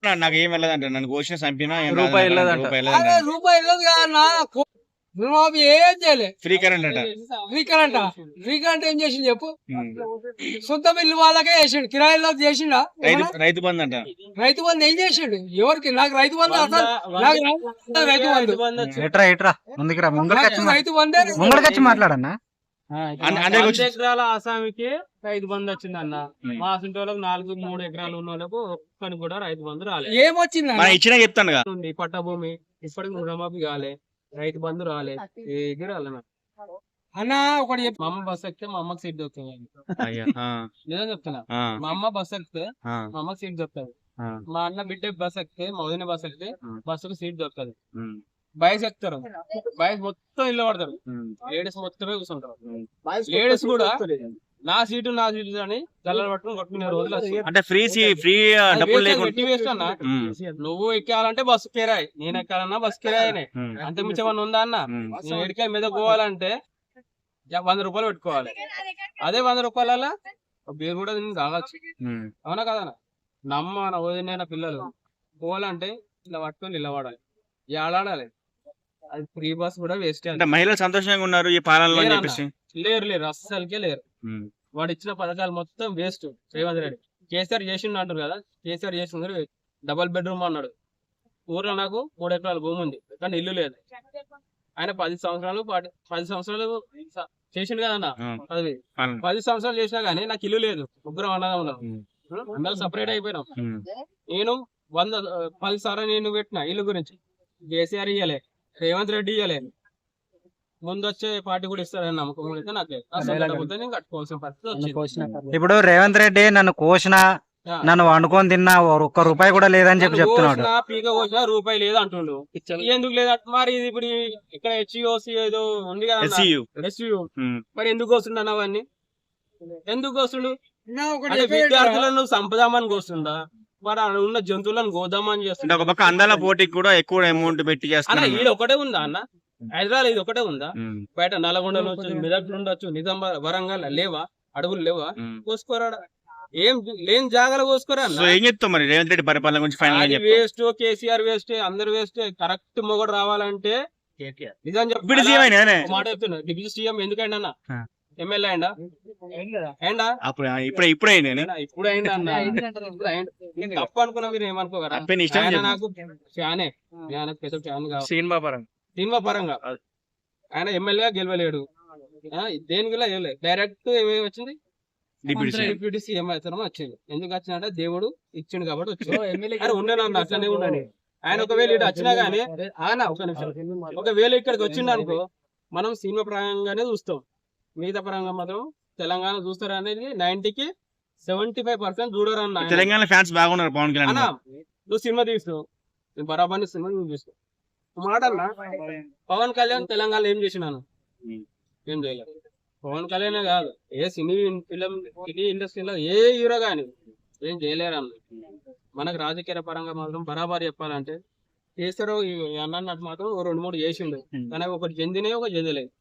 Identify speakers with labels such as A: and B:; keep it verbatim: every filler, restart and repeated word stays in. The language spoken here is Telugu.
A: నాకు ఏం వెళ్ళదంట, నన్ను కోసిన చంపినా
B: రూపాయి వెళ్ళదంట.
C: రూపాయి వెళ్ళదు కాదన్నా, రుణమాఫీ ఏం చేయలే.
A: ఫ్రీ కరెంట్ అంట.
C: ఫ్రీ కరెంట్ ఫ్రీ కరెంట్ ఏం చేసిండు చెప్పు? సొంత ఇల్లు వాళ్ళకే చేసిండు, కిరాయిలో చేసిండా?
A: రైతు బంధు అంట.
C: రైతు బంధు ఏం చేసిండు? ఎవరికి? నాకు రైతు బంధు అసలు నాకు రైతు బంధు
B: ఎట్రా ఎట్రా ముందుకురా, ముంగడికి
C: రైతు బంధే
B: ముంగడికి మాట్లాడన్నా.
D: వంద ఎకరాల ఆసామికి రైతు బంధు వచ్చింది అన్న. మా అసంటి వాళ్ళకి నాలుగు మూడు ఎకరాలు ఉన్న వాళ్ళకు ఒక్కని కూడా రైతు బంధు రాలేదు.
C: ఏమొచ్చింది
A: ఇచ్చినా చెప్తాను
D: పట్టభూమి ఇప్పటికి రుణమాఫీ కాలే, రైతు బంధు రాలే, ఏది రాలే
C: అన్న. ఒకటి
D: మా అమ్మ బస్ ఎక్కితే మా అమ్మకి సీట్ దొరుకుతుంది. నిజం చెప్తున్నా, మా అమ్మ బస్ ఎక్కితే మా అమ్మకి సీట్ దొరుకుతుంది. మా అన్న బిడ్డ బస్ ఎక్కితే, మా వదిన బస్ ఎక్కితే బస్సుకు సీట్ దొరుకుతుంది. బైక్స్ ఎక్కుతారు, బైక్ మొత్తం ఇల్లు పడతారు, లేడీస్ మొత్తమే కూర్చుంటారు. లేడీస్ కూడా నా సీటు నా సీటు అని గల్లలు పట్టుకుని కొట్టుకునే రోజులు.
A: అంటే ఫ్రీ ఫ్రీ డబ్బులు
D: వేస్ట్ అన్న. నువ్వు ఎక్కాలంటే బస్సు కిరాయి, నేను ఎక్కాలన్నా బస్సు కిరాయి. అంత మించమని ఉందా అన్న? నేను ఎడికాయ మీద పోవాలంటే వంద రూపాయలు పెట్టుకోవాలి. అదే వంద రూపాయల బీరు కూడా నేను తాగొచ్చు. అవునా కదా? నమ్మ నా వదిన పిల్లలు పోవాలంటే ఇలా పట్టుకొని నిలబడాలి, ఏడాడాలి. అది ఫ్రీ బస్ కూడా వేస్ట్.
A: అంటే మహిళలు సంతోషంగా ఉన్నారు ఈ పాలనలో అని చెప్పేసి.
D: లేరు లేరు అస్సలకే లేరు. వాడు ఇచ్చిన పథకాలు మొత్తం వేస్ట్. రేవంత్ రెడ్డి కేసీఆర్ చేసిండు అంటారు కదా, కేసీఆర్ చేసింది డబల్ బెడ్రూమ్ అన్నాడు. ఊర్లో నాకు మూడు ఎకరాల భూమి ఉంది కానీ ఇల్లు లేదు. ఆయన పది సంవత్సరాలు పది సంవత్సరాలు చేసిండు కదన్నా. పది పది సంవత్సరాలు చేసినా గానీ నాకు ఇల్లు లేదు. ముగ్గురం అన్నదా ఉన్నాం, అందరూ సపరేట్ అయిపోయినాం. నేను వంద పది సార్లు నేను పెట్టిన ఇల్లు గురించి. కేసీఆర్ ఇయ్యలే, రేవంత్ రెడ్డి ఇయ్యలే. ముందు వచ్చే పార్టీ కూడా ఇస్తారని నమ్మకం అయితే నాకు లేదు. నేను కట్టుకోవాల్సిన పరిస్థితి వచ్చింది.
B: ఇప్పుడు రేవంత్ రెడ్డి నన్ను కోసిన, నన్ను వండుకొని తిన్నా, ఒక్క రూపాయి కూడా లేదని చెప్పి చెప్తున్నాడు.
D: పీక కోసిన రూపాయి లేదు అంటుండు. ఎందుకు లేదు మరి? ఇప్పుడు ఇక్కడ హెచ్ఓసి ఏదో ఉంది కదా, ఎస్యూ. మరి ఎందుకు కోస్తుండ అవన్నీ? ఎందుకు కోస్తుండు? విద్యార్థులను సంపదామని కోస్తుందా? మరి ఉన్న జంతువులను గోదామని చేస్తుంది.
A: ఒక పక్క అందాల పోటీకి కూడా ఎక్కువ అమౌంట్ పెట్టి చేస్తున్నా.
D: ఇది ఒకటే ఉందా అన్న? హైదరాబాద్ ఇది ఒకటే ఉందా? బయట నల్గొండ ఉండొచ్చు, మెదక్ ఉండొచ్చు, నిజామాబాద్, వరంగల్ లేవా? అడవులు లేవా? కోసుకోరా? ఏం లేని జాగాలు కోసుకోరా?
A: ఏం చెప్తాం మరి రేవంత్ రెడ్డి పరిపాలన గురించి? ఫైనల్
D: వేస్ట్, కేసీఆర్ వేస్ట్, అందరు వేస్ట్. కరెక్ట్ మొగడు రావాలంటే నిజం చెప్పి మాట చెప్తున్నా. డిప్యూటీ సీఎం ఎందుకండి అన్న? ఎమ్మెల్యే అయిందా?
A: ఇప్పుడు ఇప్పుడే
D: ఇప్పుడు అయిందా అన్న? తప్పు అనుకున్నా మీరు ఏమనుకోగలరా? నాకు ఫ్యానే, స్పెషల్ ఫ్యాన్ కావాలి.
A: సినిమా పరంగా
D: సినిమా పరంగా ఆయన ఎమ్మెల్యేగా గెలవలేడు. దేనికి గెలవలేదు. డైరెక్ట్ ఏమేమి వచ్చింది? డిప్యూటీ సీఎం అవుతారని వచ్చింది. ఎందుకు వచ్చిందంటే దేవుడు ఇచ్చిండు కాబట్టి వచ్చింది. ఉండేనన్న అట్లనే ఉండని. ఆయన ఒకవేళ ఇటు వచ్చినా గానీ ఆయన ఒక నిమిషం ఒకవేళ ఇక్కడికి వచ్చిండు అనుకో, మనం సినిమా పరంగానే చూస్తాం. మిగతా పరంగా మాత్రం తెలంగాణ చూస్తారు అనేది నైన్టీకి సెవెంటీ ఫైవ్ పర్సెంట్ చూడరు అన్న.
A: తెలంగాణ ఫ్యాన్స్ బాగున్నారు పవన్ కళ్యాణ్.
D: నువ్వు సినిమా తీస్తావు, బరాబర్ సినిమా నువ్వు చూస్తావు. మాటన్నా పవన్ కళ్యాణ్ తెలంగాణ ఏం చేసినాను? ఏం చేయలేదు. పవన్ కళ్యాణ్ కాదు, ఏ సినీ ఫిలిం సినీ ఇండస్ట్రీలో ఏ హీరో గాని ఏం చేయలేరు అన్న. మనకు రాజకీయ పరంగా మాత్రం బరాబర్ చెప్పాలంటే చేస్తారో అన్నట్టు మాత్రం రెండు మూడు చేసిండు. కానీ ఒకటి చెందినే ఒక చెందలేదు.